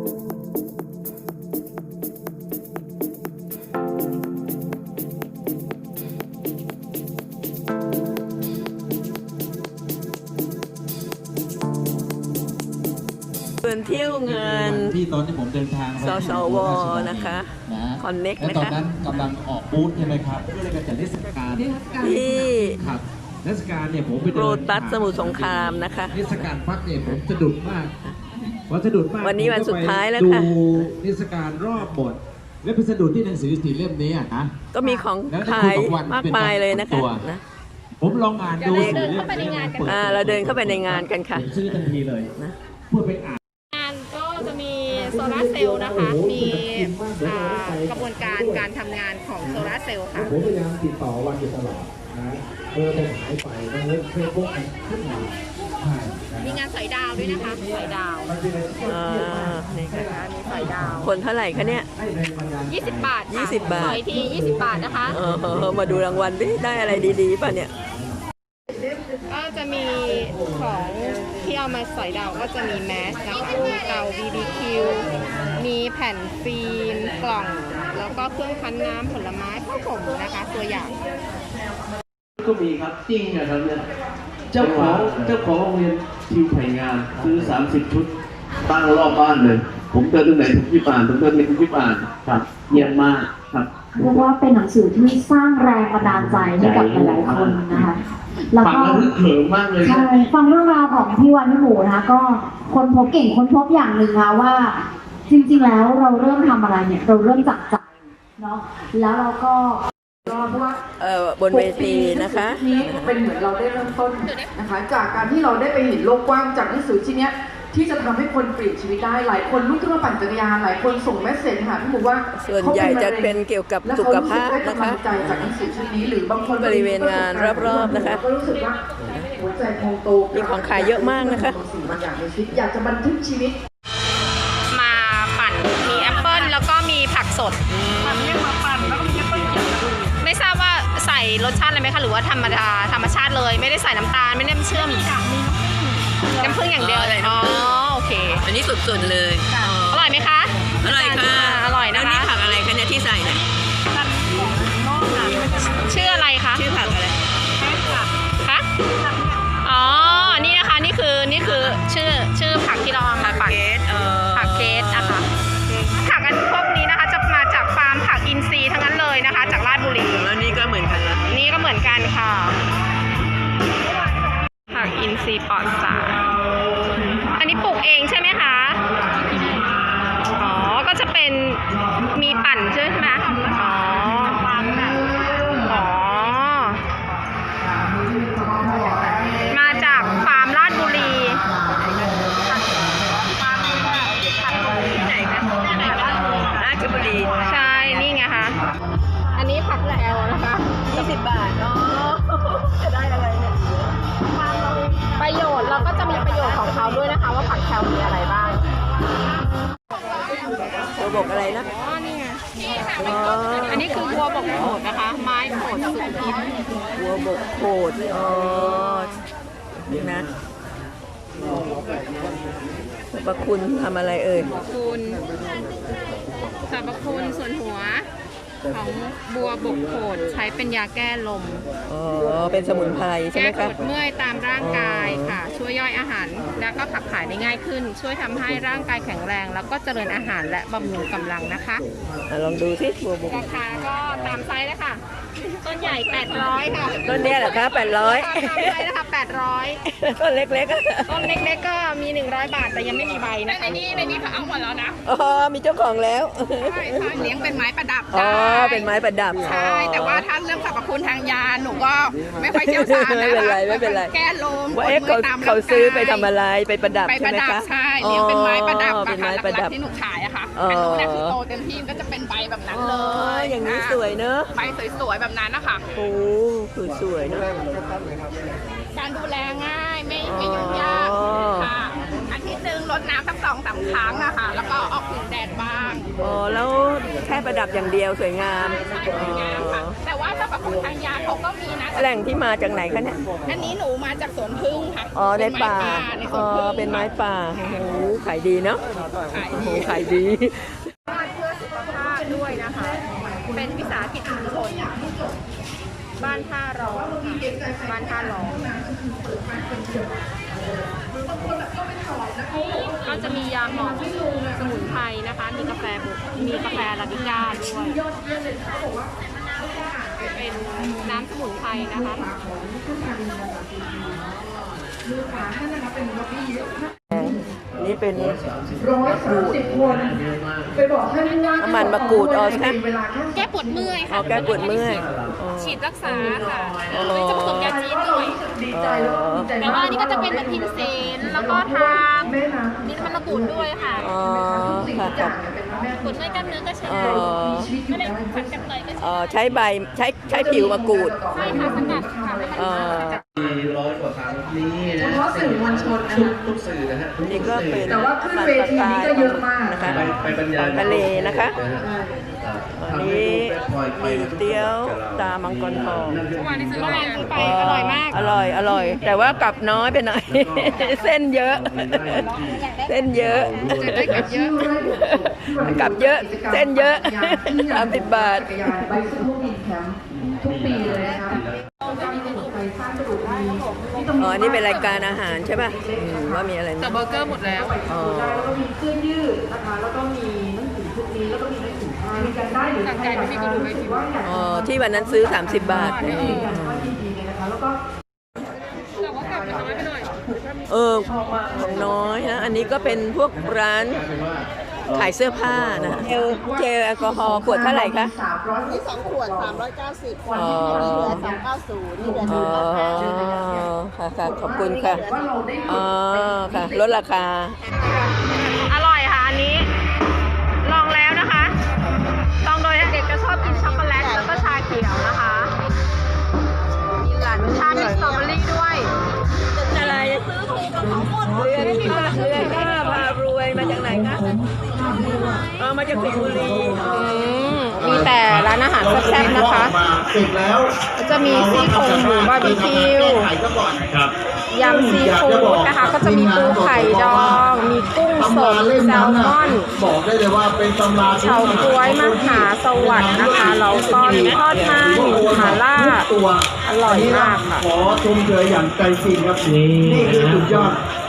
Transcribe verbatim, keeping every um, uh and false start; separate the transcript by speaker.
Speaker 1: เงินเที่ยวเงินที่ตอนที่ผมเดินทางสสวนะคะคอนเน็กนะคะตอนนั้นกำลังออกบูธใช่ไหมครับเพื่อการจัดเทศกาลที่ครับเทศกาลเนี่ยผมไปโรตัสสมุทรสงครามนะคะเทศกาลพักเนี่ยผมสะดุดมากวันสะดุดมากวันนี้วันสุดท้ายแล้วค่ะดูเทศกาลรอบบทและพิสดุดที่หนังสือสีเล่มนี้นะก็มีของขายมากมายเลยนะคะผมลองอ่านดูสีเล่มนี้เราเดินเข้าไปในงานกันค่ะซื้อทันทีเลยนะเพื่อไปอ่าน
Speaker 2: งานก็จะมีโซลาร์เซลล์นะคะมีกระบวนการการทำงานของโซลาร์เซลล์ค่ะ
Speaker 1: ผมพยายามติดต่อวันอยู่ตลอดนะเออผมหายไปแล้วเพื่อพวกขึ้นมา
Speaker 2: มีงานสอยดาวด้วยนะคะสอยดาว
Speaker 1: อ่านี่ค่ะ
Speaker 2: มีสอยดาว
Speaker 1: คนเท่าไหร่คะเนี่ย
Speaker 2: ยี่สิบบาท
Speaker 1: ยี่สิบบาท
Speaker 2: สอยทียี่สิบบาทนะคะ
Speaker 1: เออมาดูรางวัลดิได้อะไรดีๆป่ะเนี่ย
Speaker 2: ก็จะมีของที่เอามาสอยดาวก็จะมีแมสนะคะมีเตา บี บี คิว มีแผ่นฟิล์มกล่องแล้วก็เครื่องคั้นน้ำผลไม้ข้าวผมนะคะตัวอย่าง
Speaker 3: ก็มีครับจริงนะครับเนี่ยเจ้าของเจ้าของโรงเรียนคิวไผ่งามซื้อสามสิบชุดตั้งรอบบ้านเลยผมเดินตรงไหนทุกที่บ้านผมเดินในทุกที่บ้านครับเยี่ยมมากครับ
Speaker 4: เรียกว่าเป็นหนังสือที่สร้างแรงบันดาลใจให้กับหลายๆคนนะคะ
Speaker 3: แล้วก็เขิมมากเลย
Speaker 4: ใช่ฟังเรื่องราวของพี่วันพี่หมูนะคะก็คนพบเก่งคนพบอย่างหนึ่งค่ะว่าจริงๆแล้วเราเริ่มทำอะไรเนี่ยเราเริ่มจากใจเนาะแล้วเราก็
Speaker 1: เพราะว่าบนเวทีนะคะ
Speaker 5: นี้เป็นเหมือนเราได้เริ่มต้นนะคะจากการที่เราได้ไปเห็นโลกกว้างจากหนังสือชิ้นนี้ที่จะทำให้คนเปลี่ยนชีวิตได้หลายคนลุกขึ้นมาปั่นจักรยานหลายคนส่งเมสเซจหาพี่หมูว่า
Speaker 1: ส่วนใหญ่จะเป็นเกี่ยวกับสุขภาพนะคะ
Speaker 5: ใจจากหนังสือชิ้นนี้หรือบางคน
Speaker 1: บริเวณงานรอบๆนะคะ
Speaker 5: ก็รู้สึกว่าหัวใจพองโต
Speaker 1: มีของขายเยอะมากนะคะ
Speaker 5: สิ่งบางอย่างในชีวิตอยากจะบันทึกชีวิต
Speaker 2: มาปั่นมีแอปเปิ้ลแล้วก็มีผักสดปั่นเนี่ยมาปั่นแล้วก็มีแอปเปิ้ลไม่ทราบว่าใส่รสชาติอะไรไหมคะหรือว่าธรรมดาธรรมชาติเลยไม่ได้ใส่น้ำตาลไม่ได้เชื่อมน้ำผึ้งอย่างเดียวเลยอ๋อโอเค
Speaker 1: อันนี้สุดๆเลย
Speaker 2: อร่อยไหมคะ
Speaker 1: อร่อยค่ะ
Speaker 2: อร่อยนะคะ
Speaker 1: นี่ผักอะไรคะเนี่ยที่ใส่เนี่ย
Speaker 2: ชื่ออะไรคะ
Speaker 1: ชื่อผักอะไร
Speaker 2: คะอ๋อนี่นะคะนี่คือนี่คือชื่อชื่อผักที่เราเอามาปั่นผักเกสนะคะผักอันพวกนี้นะคะจะมาจากฟาร์มผักอินทรีย์ทั้งนั้นเลยนะคะจากราชบุรี
Speaker 1: แล้วนี่ก็เหมือนกันละ
Speaker 2: นี่ก็เหมือนกันค่ะผักอินทรีย์ปลอดสารอันนี้ปลูกเองใช่ไหมคะอ๋อก็จะเป็นมีปั่นใช่ไหมอ๋ออ๋อมาจากฟาร์มราชบุรี
Speaker 1: ราชบุรี
Speaker 2: ใช่นี่ไงคะอันนี้ผักแลวนะคะ
Speaker 1: ยี่สิบบาทเนาะจะได้อะไรเนี่ย
Speaker 2: ประโยชน์เราก็จะมีประโยชน์ของเขาด้วยนะคะว่าผักแคลมีอะไรบ้าง
Speaker 1: บัวบกอะไรนะ
Speaker 2: อ๋อนี่ไงอันนี้คือบัวบกโขดนะคะไม้โขดสูงพิษ
Speaker 1: บัวบกโขดอ๋อนี่นะสรรพคุณทำอะไรเอ่ย
Speaker 2: สรรพคุณสรรพคุณส่วนหัวของบัวบกโขดใช้เป็นยาแก้ลม
Speaker 1: อ๋อเป็นสมุนไพรใช่ไหมคะ
Speaker 2: แก้ปวดเมื่อยตามร่างกายค่ะช่วยย่อยอาหารแล้วก็ขับถ่ายได้ง่ายขึ้นช่วยทำให้ร่างกายแข็งแรงแล้วก็เจริญอาหารและบำรุงกำลังนะคะ
Speaker 1: ลองดูสิบัวบก
Speaker 2: ราคาก็ตามไซส์เลยค่ะต้นใหญ่แปดร้อยค่ะ
Speaker 1: ต้นนี้เหรอคะแปดร้อย
Speaker 2: ตามไซส์นะคะแปดร้อย
Speaker 1: ต้นเล็ก
Speaker 2: ๆต้นเล็กๆก็มีหนึ่งร้อยบาทแต่ยังไม่มีใบนะในนี้ในนี้เขาเอาหมดแล้วนะ
Speaker 1: อ๋อมีเจ้าของแล้ว
Speaker 2: ใช่เลี้ยงเป็นไม้ประดับ
Speaker 1: อ๋อเป็นไม้ประดับ
Speaker 2: ใช่แต่ว่าถ้าเรื่องสรรพคุณทางยาหนูก็ไม่ค่อยเชี่ยวชาญนะ
Speaker 1: ไม่เป็นไรไม่เป็นไร
Speaker 2: แก้ลม
Speaker 1: ว่าเอ๊ะเขาเขาซื้อไปทำอะไรไปประดับใช่ไหมคะ
Speaker 2: ใช่เลี้ยงเป็นไม้ประดับเป็นไม้ประดับที่หนูขายอะค่ะอันนู้นเนี่ยคือโตเต็มที่ก็จะเป็นใบแบบนั้นเลย
Speaker 1: อย่างนี้สวยเนอะ
Speaker 2: ใบสวยๆแบบนั้นนะคะ
Speaker 1: โอ้คือสวยเนอะ
Speaker 2: การดูแลง่ายไม่ไม่ยุ่งยากค่ะอาทิตย์หนึ่งรดน้ำสักสองสามครั้งอะค่ะแล้วก็ออกถึงแดดบ้าง
Speaker 1: อ๋อแล้วแค่ประดับอย่างเดียวสวยงาม
Speaker 2: สวยงามค่ะแต่ว่าสรรพทางยาเขาก็มีนะ
Speaker 6: แหล่งที่มาจากไหนคะเนี่ย
Speaker 2: อันนี้หนูมาจากสวนพึ่งค่ะ
Speaker 6: อ๋อในป่า
Speaker 2: ในส
Speaker 6: อ๋
Speaker 2: ว
Speaker 6: อน
Speaker 2: พึ่ง
Speaker 6: เป็นไม้ป่าโอ้โหขายดีเนาะ
Speaker 2: ขาย
Speaker 6: โอ้โห
Speaker 2: ดี
Speaker 6: ขายดี
Speaker 2: บ้านเพื่อสุขภาพด้วยนะคะ เป็นวิสาหกิจชุมชนบ้านท่าร้องค่ะบ้านท่าร้องก็จะมียาหมองสมุนไพรนะคะ มีกาแฟบุกมีกาแฟอาราบิก้าด้วยเป็นน้ำสมุนไพรนะคะ
Speaker 6: นี่เป็น
Speaker 5: ร้อยสามสิบคนไปบอกท่านว่า
Speaker 6: น้ำมันมะกรูดอ๋อใช่ไหม
Speaker 5: เวลาแค่
Speaker 2: แก้ปวดเมื่อย
Speaker 6: อ๋
Speaker 2: ค่ะ
Speaker 6: อแก้ปวดเมื่อยอ๋อ
Speaker 2: ฉีดรักษาค่ะ
Speaker 6: อ๋อ
Speaker 2: จะผสมยาจีนด้วย
Speaker 5: ดีใจแล้วก็ภูมิใจ
Speaker 2: แต่ว่าอันนี้ก็จะเป็นแบบพิมเซนแล้วก็ทาง
Speaker 5: แม่นะ
Speaker 2: นี่มันมะกรูดด้วยค่ะ
Speaker 6: อ๋อ
Speaker 5: สิ่ง
Speaker 6: ค่ะ
Speaker 5: ทุกอ
Speaker 6: ค่ะ
Speaker 5: ย่างเป็นแม่
Speaker 2: ปวดเมื่อยกล้ามเนื้อก็ใช้
Speaker 6: อ๋
Speaker 2: ได้
Speaker 6: อ
Speaker 5: มีชีวิตอยู่
Speaker 2: ก็เลย
Speaker 5: ได้
Speaker 2: ผัดกันเลยก็ใช้
Speaker 6: อ๋อใช้ใบใช้ใช้ผิวมะกรูด
Speaker 2: ใช่ค่ะสกัดค่ะไม่
Speaker 6: อ๋อ
Speaker 3: มีร้อยกว่าครั้งนี่นะ
Speaker 5: เฉพาะสื่อมวลชนนะ
Speaker 3: ทุก
Speaker 5: คะ
Speaker 3: ทุกสื่อนะฮะทุก
Speaker 6: นี่ก็
Speaker 3: สื่อ
Speaker 6: เป็น
Speaker 5: แต่ว่าขึ้นเวทีนี้ก็เยอะมาก
Speaker 6: นะคะ
Speaker 3: ไปไปบรรยาย
Speaker 6: ทะเลนะคะ
Speaker 3: ทำ
Speaker 6: อัน
Speaker 3: ให้
Speaker 6: นี้
Speaker 3: ดูเป็นพลอยไป
Speaker 6: มีเตี๋ยวตามังกรทอง
Speaker 2: เมื่อวานที่ซื้อมาไปอร่อยมาก
Speaker 6: อร่อยอร่อย แต่ว่ากลับน้อยไปหน่อย เส้นเยอะ เส้นเยอะ
Speaker 2: ได้กลับเยอะ
Speaker 6: กลับเยอะ เส้นเยอะสามสิบบาท
Speaker 5: จักรยานไบซิเคิลอินแคมป์ทุกปีเลยนะคะไปสร้างกระดูกดีที่ตรง
Speaker 6: อ๋อ นี่เป็นรายการอาหารใช่ป่ะอืมว่ามีอะไร
Speaker 2: แต่
Speaker 6: นะ
Speaker 2: เบอร์เกอร์หมดแล้ว
Speaker 6: อ๋อ
Speaker 5: แล้วก็มีเสื้อยืดนะคะ แล้วก็มีหนังสือพวกนี้แล้วก็มีหนังสือผ้ามีกันได้หรือใครอยากจะรู้สึกว่าอยาก
Speaker 6: อ๋อ ที่วันนั้นซื้อ สามสิบบาท
Speaker 5: ได้ยืนยันว่ายินดีเลยนะคะแล้วก็
Speaker 2: แต่ว่ากลับน้อยไปหน่อย
Speaker 6: เออของน้อยนะ อันนี้ก็เป็นพวกร้านขายเสื้อผ้านะเจลเจลแอลกอฮอล์ขวดเท่าไหร่คะ
Speaker 5: สามร้อย
Speaker 7: นี่สองขวดสามร้อยเก้าสิบ
Speaker 5: วัน
Speaker 6: อ๋อ
Speaker 5: ที่
Speaker 7: เหลื
Speaker 5: เรา
Speaker 7: อสองเก้าศูนย์นี่เหลือ
Speaker 6: อ๋
Speaker 7: หนึ่งร้อยแปดสิบ
Speaker 6: อ ค่ะค่ะขอบคุณค่ะ
Speaker 5: ว่าเราได้
Speaker 6: อ๋อ ค่ะ ลดราคา
Speaker 2: อร่อยค่ะอันนี้ ลองแล้วนะคะ ลองโดยเด็กจะชอบกินช็อกโกแลตแล้วก็ชาเขียวนะคะ มีหลานชาติสตรอเบอรี่ด้วย
Speaker 6: อะไรซื้อถูกกับของหมดเรือนข้าเรือนข้าพารวยมาจากไหนคะเออมาจากสิงห์บุรี
Speaker 2: อืมมีแต่ร้านอาหารแซ่บๆนะคะ
Speaker 8: เสร็จแล้ว
Speaker 2: ก็จะมีซี่โครงหมูบาร์บีคิว
Speaker 8: ไข่ก็ก่อนครับ
Speaker 2: ยำซีฟู้ดนะคะ ก็จะมีปูไข่ดอง มีกุ้งสดแซลมอน
Speaker 8: บอกได้เลยว่าเป็นตำรา
Speaker 2: เฉาก๊วยมหาสวัสดิ์นะคะแล้วก็มีทอดมันหม่าล่า
Speaker 8: ตัว
Speaker 2: อร่อยมากค่ะ
Speaker 8: ขอชมเชยอย่างใจจริงครับนี่คือสุดยอด